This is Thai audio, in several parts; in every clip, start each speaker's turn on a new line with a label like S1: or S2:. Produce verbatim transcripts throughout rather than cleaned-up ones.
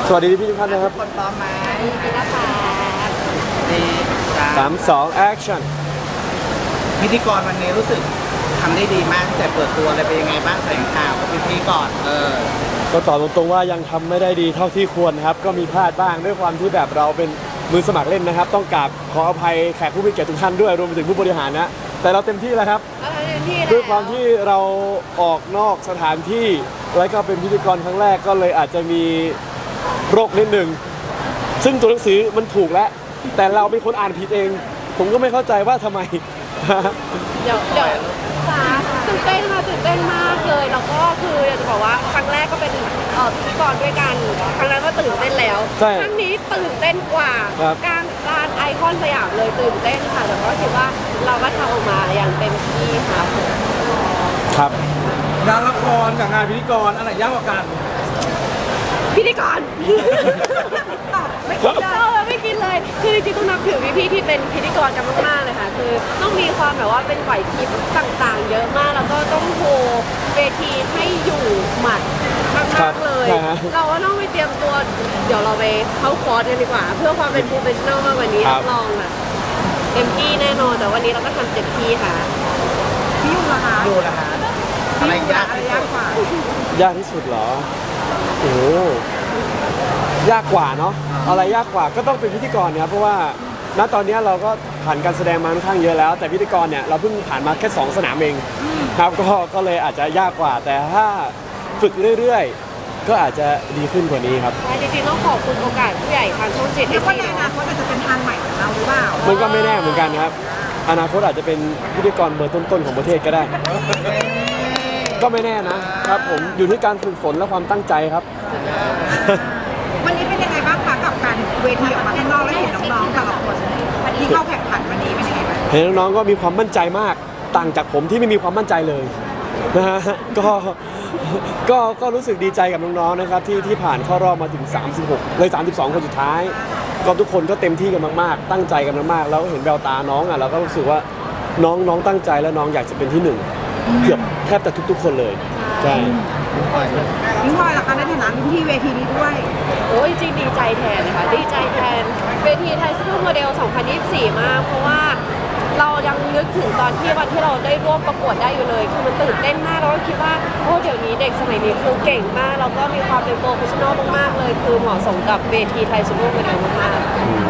S1: สวัสดีพี่ทุกท่านนะครับ
S2: คนพร้อมไหม
S3: ดีนะคะ
S2: ดี
S1: สามสองแอคชั่น
S2: พิธีกรวันนี้รู้สึกทำได้ดีมากแต่เปิดตัวอะไรเป็นยังไงบ้างแถลงข่าวกับพิธีก่อนเออ
S1: ก็ตอบตรงๆว่ายังทำไม่ได้ดีเท่าที่ควรครับก็มีพลาดบ้างด้วยความที่แบบเราเป็นมือสมัครเล่นนะครับต้องกราบขออภัยแขกผู้มีเกียรติทุกท่านด้วยรวมไปถึงผู้บริหารนะแต่เราเต็มที่แล้วครับด้วยความที่เราออกนอกสถานที่แล้วก็เป็นพิธีกรครั้งแรกก็เลยอาจจะมีโรคนิดหนึ่งซึ่งตัวหนังสือมันถูกแล้วแต่เราเป็นคนอ่านผิดเองผมก็ไม่เข้าใจว่าทำไม
S3: เดี๋ยวเดี๋ยวจ้าตื่นเต้นค่ะตื่นเต้นมากเลยแล้วก็คืออยากจะบอกว่าครั้งแรกก็เป็นเอ่อพิธีกรด้วยกันครั้งนั้นก็ตื่นเต้นแล้วครั้งนี้ตื่นเต้นกว่าการการไอคอนสยามเลยตื่นเต้นค่ะแต่ก็คิดว่าเราก็ทำออกมาอย่างเต็มที่ค่ะ
S1: ครับ
S2: งานละครกับงานพิธีกรอะไรยากกว่ากัน
S3: พิธีกรไม่คิดเลยไม่คิดเลยคือจริงๆต้องนับถือพี่ๆที่เป็นพิธีกรกันมากๆเลยค่ะคือต้องมีความแบบว่าเป็นไหวพริบต่างๆเยอะมากแล้วก็ต้องโฮเวทีให้อยู่หมัดมากๆเลยเราก็ต้องไปเตรียมตัวเดี๋ยวเราไปเข้าคอร์สกันดีกว่าเพื่อความเป็นโปรเฟชชั่นอลมากกว่านี้รับรองอ่ะเต็มที่แน่นอนแต่วันนี้เราก็ทำเต็มที่ค่ะพี่ยูล่ะคะ
S2: ยูล่ะคะอะไรยาก
S3: ยากกว่
S1: ายากที่สุดเหรอโอ้ยากกว่าเนาะอะไรยากกว่าก็ต้องเป็นพิธีกรครับเพราะว่าณตอนนี้เราก็ผ่านการแสดงมาค่อนข้างเยอะแล้วแต่พิธีกรเนี่ยเราเพิ่งผ่านมาแค่สองสนามเองครับก็ก็เลยอาจจะยากกว่าแต่ถ้าฝึกเรื่อยๆก็อาจจะดีขึ้นกว่านี้ครับ
S3: จริงๆต้องขอบคุณโอกาสผู้ใหญ่ทางช่องเจ็ดที่
S4: ในอนาคตอาจจะเป็นทางใหม่ของเราหรือเปล่า
S1: มันก็ไม่แน่เหมือนกันครับอนาคตอาจจะเป็นพิธีกรเบอร์ต้นๆของประเทศก็ได้ก็ไม่แน่นะครับผมอยู่ที่การฝึกฝนและความตั้งใจครับ
S4: วันนี้เป็นยังไงบ้างคะกับการเวทีออกมาข้างนอกแล้วเห็นน้องๆแต่ละคนที่เข้าแข่งขันวันนี้เป็นยังไงบ้าง
S1: เห็นน้องๆก็มีความมั่นใจมากต่างจากผมที่ไม่มีความมั่นใจเลยนะฮะก็ก็ก็รู้สึกดีใจกับน้องๆนะครับที่ที่ผ่านเข้ารอบมาถึงสามสิบหกเลยสามสิบสองคนสุดท้ายก็ทุกคนก็เต็มที่กันมากๆตั้งใจกันมากๆแล้วเห็นแววตาน้องอ่ะเราก็รู้สึกว่าน้องน้องตั้งใจแล้วน้องอยากจะเป็นที่หนึ่งเกือบแทบจะทุกๆคนเลยใช่
S4: นิ้งพลอยล่ะคะในฐานะรุ่นพี่เวทีนี้ด้วย
S3: โอ้ยจริงดีใจแทนนะคะดีใจแทนเวทีไทยซูเปอร์โมเดลสองพันยี่สิบสี่มากเพราะว่าเรายังนึกถึงตอนที่วันที่เราได้ร่วมประกวดได้อยู่เลยคือมันตื่นเต้นมากแล้วก็คิดว่าโอ้เดี๋ยวนี้เด็กสมัยนี้คือเก่งมากแล้วก็มีความเป็นโปรเฟชชั่นอลมากๆเลยคือเหมาะสมกับเวทีไทยซูเปอร์โมเดลมาก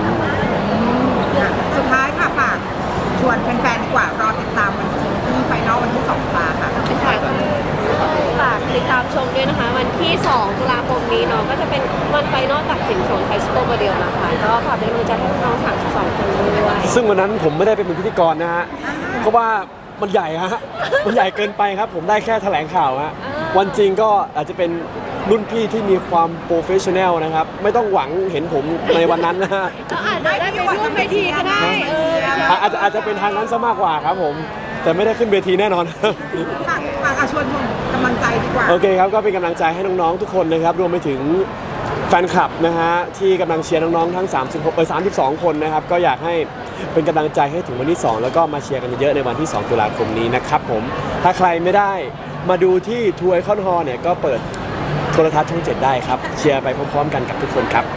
S4: ๆสุดท้ายค่ะฝากชวนแฟนๆดีกว่ารอติดตามวันที่ไฟนอลวันที่สองตุลาค่ะ
S3: ฝากติดตามชมด้วยนะคะวันที่สองตุลาคมนี้เนาะก็จะเป็นวันไฟนอลตัดสินของไทยซูเปอร์โมเดลนะคะก็ฝากเป็นกำลังใจให้น้องสามสิบสองคนด้วย
S1: ซึ่งวันนั้นผมไม่ได้เป็นพิธีกรนะฮะเพราะว่ามันใหญ่ฮะมันใหญ่เกินไปครับผมได้แค่แถลงข่าวฮะวันจริงก็อาจจะเป็นรุ่นพี่ที่มีความโปรเฟชชั่นแนลนะครับไม่ต้องหวังเห็นผมในวันนั้นนะฮะ
S3: ก็อาจจะได้ไปร่วมเวทีก็ได้เออ
S1: อาจจะอาจจะเป็นทางนั้นซะมากกว่าครับผมแต่ไม่ได้ขึ้นเวทีแน่นอน
S4: ฝากฝากชวนกำลังใจดีกว่า
S1: โอเคครับก็เป็นกำลังใจให้น้องๆทุกคนนะครับรวมไปถึงแฟนคลับนะฮะที่กำลังเชียร์น้องๆทั้งสามสิบหกเออสามสิบสองคนนะครับก็อยากให้เป็นกำลังใจให้ถึงวันที่สองแล้วก็มาเชียร์กันเยอะในวันที่สองตุลาคมนี้นะครับผมถ้าใครไม่ได้มาดูที่ทัวร์ไอคอนฮอลล์เนี่ยก็เปิดโทรทัศน์ช่องเจ็ดได้ครับเชียร์ไปพร้อมๆกันกับทุกคนครับ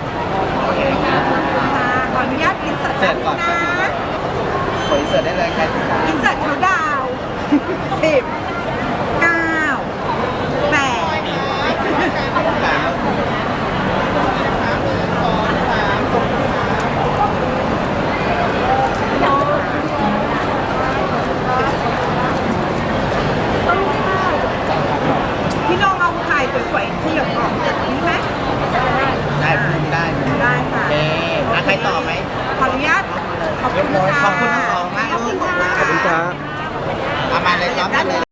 S4: ขออนุญาตอินเสิร์ตก่อนนะ
S2: ขออินเสิร์ตได้เลยครับ
S4: อินเสิร์ตเขาดาวสิบเก้าแปดพี่น้องเอาถ่ายสวยๆที่หยดออกจากนี้ไหม
S2: ได้ได้
S4: ได้ค่ะ
S2: เอ๊ะใครต่อไหม
S4: ขออนุญาตขอบคุณค่ะ
S2: ขอบคุณทั้งสองมาก
S1: ขอบคุณครับ
S2: เอามาเลยรับมาเลย